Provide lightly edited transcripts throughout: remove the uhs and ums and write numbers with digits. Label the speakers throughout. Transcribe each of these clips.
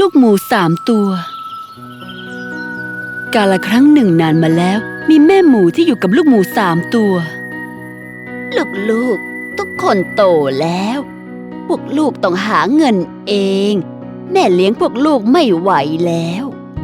Speaker 1: ลูกหมู3 ตัวกาลครั้งหนึ่งนานมาแล้วมีแม่หมูที่อยู่กับลูกหมู3 ตัวลูกๆทุกคนโตแล้วพวกลูกต้องหาเงินเองแม่เลี้ยงพวกลูกไม่ไหวแล้ว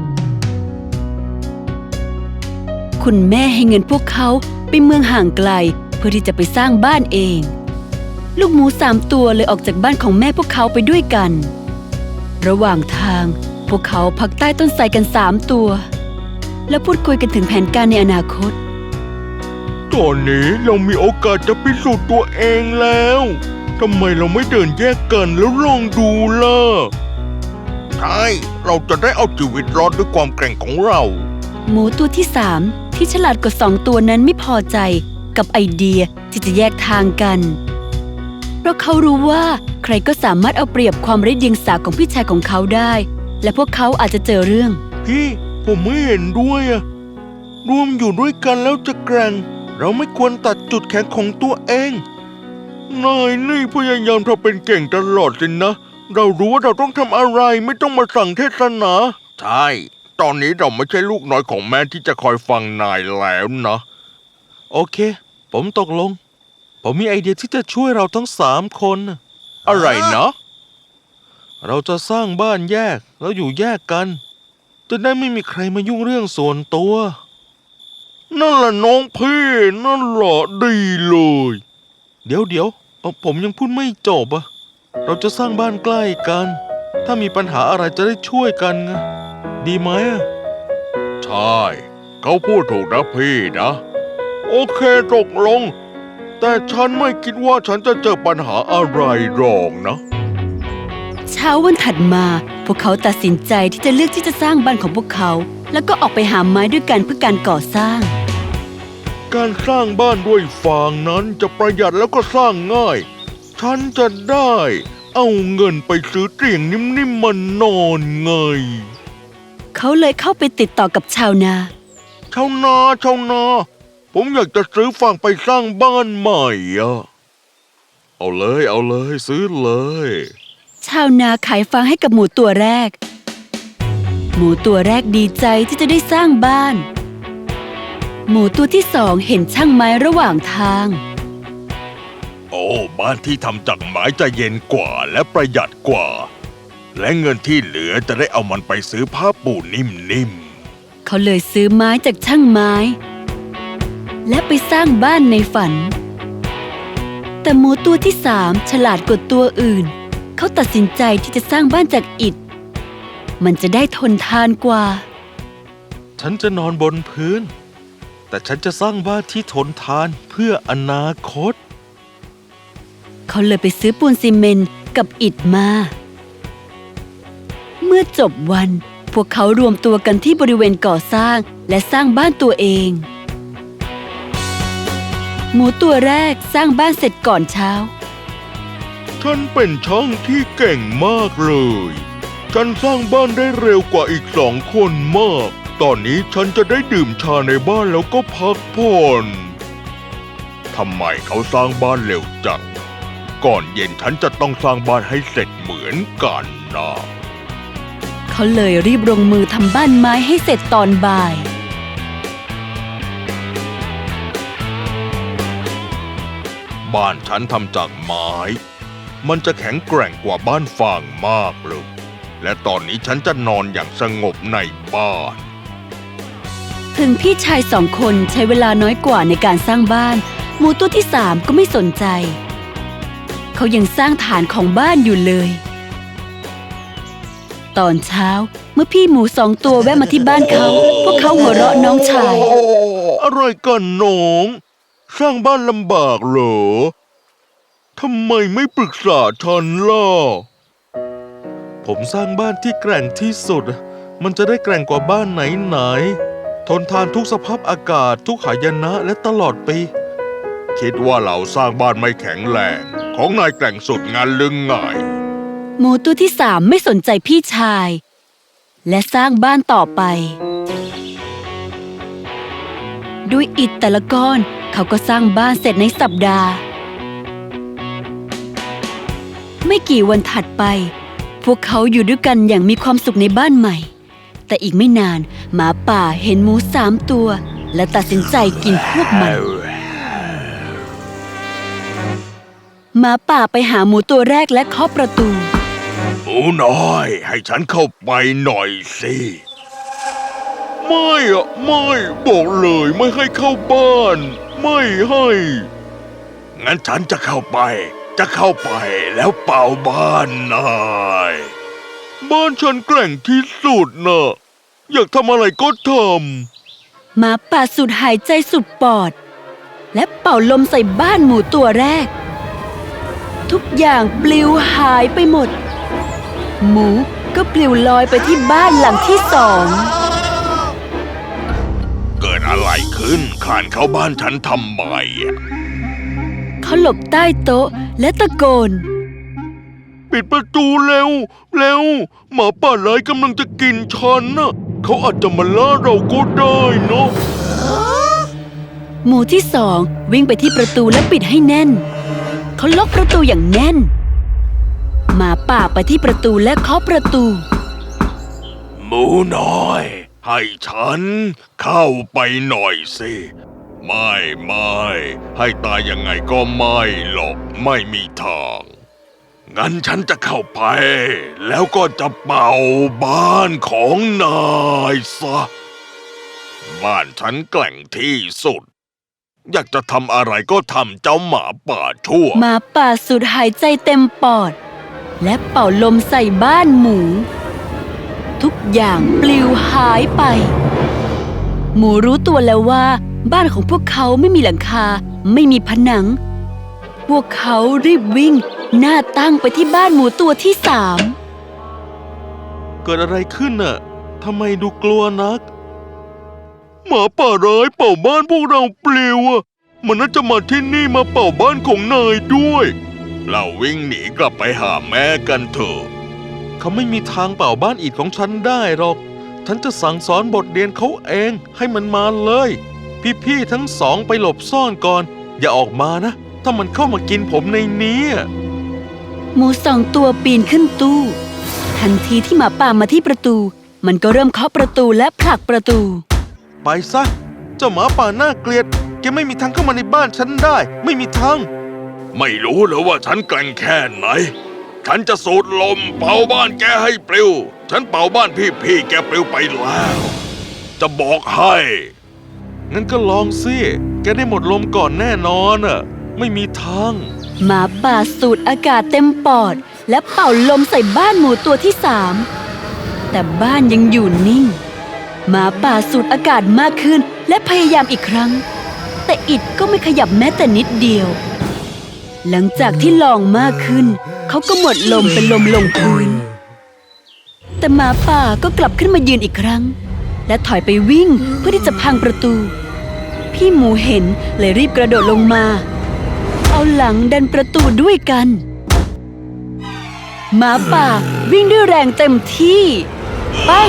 Speaker 1: คุณแม่ให้เงินพวกเขาไปเมืองห่างไกลเพื่อที่จะไปสร้างบ้านเองลูกหมู3 ตัวเลยออกจากบ้านของแม่พวกเขาไปด้วยกันระหว่างทางพวกเขาพักใต้ต้นไทรกัน3 ตัวแล้วพูดคุยกันถึงแผนการในอนาคต
Speaker 2: ตอนนี้เรามีโอกาสจะพิสูจน์ตัวเองแล้วทำไมเราไม่เดินแยกกันแล้วลองดูล่ะใช่เราจะได้เอาชีวิตรอดด้วยความแกร่งของเรา
Speaker 1: หมูตัวที่3ที่ฉลาดกว่า2 ตัวนั้นไม่พอใจกับไอเดียที่จะแยกทางกันเพราะเขารู้ว่าใครก็สามารถเอาเปรียบความไร้เดียงสาของพี่ชายของเขาได้และพวกเขาอาจจะเจอเรื่อง
Speaker 2: พี่ผมไม่เห็นด้วยอะรวมอยู่ด้วยกันแล้วจะแกร่งเราไม่ควรตัดจุดแข็งของตัวเองนายนี่พยายามทำเป็นเก่งตลอดสินะเรารู้ว่าเราต้องทำอะไรไม่ต้องมาสั่งเทศนาใช่ตอนนี้เราไม่ใช่ลูกน้อยของแม่ที่จะคอยฟังนายแล้วนะโอเคผมตกลงผมมีไอเดียที่จะช่วยเราทั้ง3 คนอะไรนะเราจะสร้างบ้านแยกแล้วอยู่แยกกันจะได้ไม่มีใครมายุ่งเรื่องส่วนตัวนั่นแหละน้องพี่นั่นแหละดีเลยเดี๋ยวผมยังพูดไม่จบอะเราจะสร้างบ้านใกล้กันถ้ามีปัญหาอะไรจะได้ช่วยกันไงดีไหมใช่เขาพูดถูกนะพี่นะโอเคตกลงแต่ฉันไม่คิดว่าฉันจะเจอปัญหาอะไรหรอกนะ
Speaker 1: เช้าวันถัดมาพวกเขาตัดสินใจที่จะเลือกที่จะสร้างบ้านของพวกเขาแล้วก็ออกไปหาไม้ด้วยกันเพื่อการก่อสร้าง
Speaker 2: การสร้างบ้านด้วยฟางนั้นจะประหยัดแล้วก็สร้างง่ายฉันจะได้เอาเงินไปซื้อเตียงนิ่มๆมานอนไง
Speaker 1: เขาเลยเข้าไปติดต่อกับชาวนา
Speaker 2: ผมอยากจะซื้อฟางไปสร้างบ้านใหม่อะเอาเลยซื้อเลย
Speaker 1: ชาวนาขายฟางให้กับหมูตัวแรกหมูตัวแรกดีใจที่จะได้สร้างบ้านหมูตัวที่2เห็นช่างไม้ระหว่างทาง
Speaker 2: โอ้บ้านที่ทำจากไม้จะเย็นกว่าและประหยัดกว่าและเงินที่เหลือจะได้เอามันไปซื้อผ้าปูนิ่มๆ
Speaker 1: เขาเลยซื้อไม้จากช่างไม้และไปสร้างบ้านในฝันแต่หมูตัวที่3ฉลาดกว่าตัวอื่นเขาตัดสินใจที่จะสร้างบ้านจากอิฐมันจะได้ทนทานกว่า
Speaker 2: ฉันจะนอนบนพื้นแต่ฉันจะสร้างบ้านที่ทนทานเพื่ออนาคต
Speaker 1: เขาเลยไปซื้อปูนซีเมนต์กับอิฐมาเมื่อจบวันพวกเขารวมตัวกันที่บริเวณก่อสร้างและสร้างบ้านตัวเองหมูตัวแรกสร้างบ้านเสร็จก่อนเช้า
Speaker 2: ฉันเป็นช่างที่เก่งมากเลยฉันสร้างบ้านได้เร็วกว่าอีก2 คนมากตอนนี้ฉันจะได้ดื่มชาในบ้านแล้วก็พักผ่อนทำไมเขาสร้างบ้านเร็วจังก่อนเย็นฉันจะต้องสร้างบ้านให้เสร็จเหมือนกันนะ
Speaker 1: เขาเลยรีบลงมือทำบ้านไม้ให้เสร็จตอนบ่าย
Speaker 2: บ้านฉันทำจากไม้มันจะแข็งแกร่งกว่าบ้านฟางมากเลยและตอนนี้ฉันจะนอนอย่างสงบในบ้าน
Speaker 1: ถึงพี่ชาย2 คนใช้เวลาน้อยกว่าในการสร้างบ้านหมูตัวที่3ก็ไม่สนใจเขายังสร้างฐานของบ้านอยู่เลยตอนเช้าเมื่อพี่หมู2 ตัวแวะมาที่บ้านเขาพวกเขาหัวเราะน้องชาย
Speaker 2: อะไรกันน้องสร้างบ้านลำบากเหรอทำไมไม่ปรึกษาฉันล่ะผมสร้างบ้านที่แกร่งที่สุดมันจะได้แกร่งกว่าบ้านไหนทนทานทุกสภาพอากาศทุกหายนะและตลอดปีคิดว่าเราสร้างบ้านไม่แข็งแรงของนายแกร่งสุดงานลึงไง
Speaker 1: หมูตัวที่3ไม่สนใจพี่ชายและสร้างบ้านต่อไปด้วยอิฐแต่ละก้อนเขาก็สร้างบ้านเสร็จในสัปดาห์ไม่กี่วันถัดไปพวกเขาอยู่ด้วยกันอย่างมีความสุขในบ้านใหม่ แต่อีกไม่นานหมาป่าเห็นหมู3 ตัวและตัดสินใจกินพวกมันหมาป่าไปหาหมูตัวแรกและเคาะประตู
Speaker 2: หมูน้อยให้ฉันเข้าไปหน่อยสิไม่อะไม่บอกเลยไม่ให้เข้าบ้านไม่ให้งั้นฉันจะเข้าไปแล้วเป่าบ้านนายบ้านฉันแกร่งที่สุดนะอยากทำอะไรก็ทำ
Speaker 1: หมาป่าสูดหายใจสุดปอดและเป่าลมใส่บ้านหมูตัวแรกทุกอย่างปลิวหายไปหมดหมูก็ปลิวลอยไปที่บ้านหลังที่2
Speaker 2: เกิดอะไรขึ้นคลานเข้าบ้านฉันทำไม
Speaker 1: เขาหลบใต้โต๊ะและตะโกน
Speaker 2: ปิดประตูเร็วหมาป่าร้ายกำลังจะกินฉันน่ะเขาอาจจะมาล่าเราก็ได้เนาะ
Speaker 1: หมูที่2วิ่งไปที่ประตูและปิดให้แน่นเขาล็อกประตูอย่างแน่นหมาป่าไปที่ประตูและเคาะประตู
Speaker 2: หมูน้อยให้ฉันเข้าไปหน่อยสิไม่ให้ตายยังไงก็ไม่หรอกไม่มีทางงั้นฉันจะเข้าไปแล้วก็จะเป่าบ้านของนายซะบ้านฉันแกร่งที่สุดอยากจะทำอะไรก็ทำเจ้าหมาป่าชั่ว
Speaker 1: หมาป่าสูดหายใจเต็มปอดและเป่าลมใส่บ้านหมูทุกอย่างปลิวหายไปหมูรู้ตัวแล้วว่าบ้านของพวกเขาไม่มีหลังคาไม่มีผนังพวกเขารีบวิ่งหน้าตั้งไปที่บ้านหมูตัวที่3
Speaker 2: เกิดอะไรขึ้นน่ะทำไมดูกลัวนักหมาป่าร้ายเป่าบ้านพวกเราปลิวอ่ะมันน่าจะมาที่นี่มาเป่าบ้านของนายด้วยเราวิ่งหนีกลับไปหาแม่กันเถอะเขาไม่มีทางเป่าบ้านอิฐของฉันได้หรอกฉันจะสั่งสอนบทเรียนเขาเองให้มันมาเลยพี่ๆทั้ง2ไปหลบซ่อนก่อนอย่าออกมานะถ้ามันเข้ามากินผมในนี้
Speaker 1: หมู2 ตัวปีนขึ้นตู้ทันทีที่หมาป่ามาที่ประตูมันก็เริ่มเคาะประตูและผลักประตู
Speaker 2: ไปซะเจ้าหมาป่าน่าเกลียดแกไม่มีทางเข้ามาในบ้านฉันได้ไม่มีทางไม่รู้เหรอว่าฉันแกร่งแค่ไหนฉันจะสูดลมเป่าบ้านแกให้ปลิวฉันเป่าบ้านพี่แกปลิวไปแล้วจะบอกให้งั้นก็ลองสิแกได้หมดลมก่อนแน่นอนอ่ะไม่มีทาง
Speaker 1: หมาป่าสูดอากาศเต็มปอดและเป่าลมใส่บ้านหมูตัวที่3แต่บ้านยังอยู่นิ่งหมาป่าสูดอากาศมากขึ้นและพยายามอีกครั้งแต่อิฐก็ไม่ขยับแม้แต่นิดเดียวหลังจากที่ลองมากขึ้นเขาก็หมดลมเป็นลมลงพื้นแต่หมาป่าก็กลับขึ้นมายืนอีกครั้งและถอยไปวิ่งเพื่อที่จะพังประตูพี่หมูเห็นเลยรีบกระโดดลงมาเอาหลังดันประตูด้วยกันหมาป่าวิ่งด้วยแรงเต็มที่ปั้ง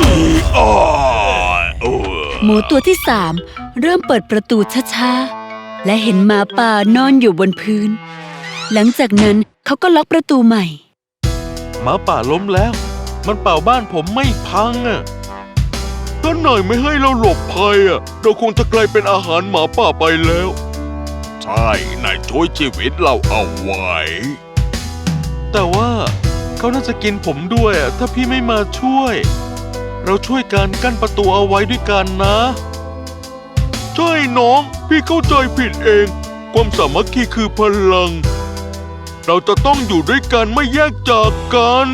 Speaker 1: หมูตัวที่3เริ่มเปิดประตูช้าๆและเห็นหมาป่านอนอยู่บนพื้นหลังจากนั้นเขาก็ล็อกประตูใหม่
Speaker 2: หมาป่าล้มแล้วมันเป่าบ้านผมไม่พังอ่ะถ้านายไม่ให้เราหลบภัยอ่ะเราคงจะกลายเป็นอาหารหมาป่าไปแล้วใช่นายช่วยชีวิตเราเอาไว้แต่ว่าเขาน่าจะกินผมด้วยอ่ะถ้าพี่ไม่มาช่วยเราช่วยกันกั้นประตูเอาไว้ด้วยกันนะใช่น้องพี่เข้าใจผิดเองความสามัคคีคือพลังเราจะต้องอยู่ด้วยกันไม่แยกจากกัน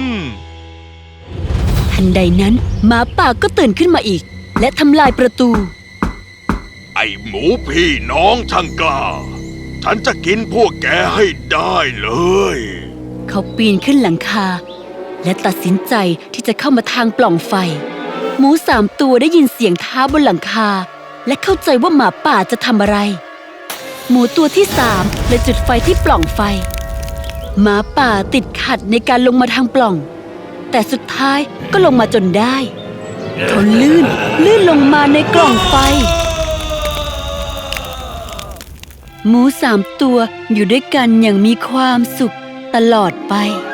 Speaker 1: ทันใดนั้นหมาป่าก็ตื่นขึ้นมาอีกและทำลายประตู
Speaker 2: ไอ้หมูพี่น้องช่างกล้าฉันจะกินพวกแกให้ได้เลย
Speaker 1: เขาปีนขึ้นหลังคาและตัดสินใจที่จะเข้ามาทางปล่องไฟหมู3 ตัวได้ยินเสียงเท้าบนหลังคาและเข้าใจว่าหมาป่าจะทำอะไรหมูตัวที่3เลยจุดไฟที่ปล่องไฟหมาป่าติดขัดในการลงมาทางปล่องแต่สุดท้ายก็ลงมาจนได้เขาลื่นลงมาในกล่องไฟหมู3 ตัวอยู่ด้วยกันอย่างมีความสุขตลอดไป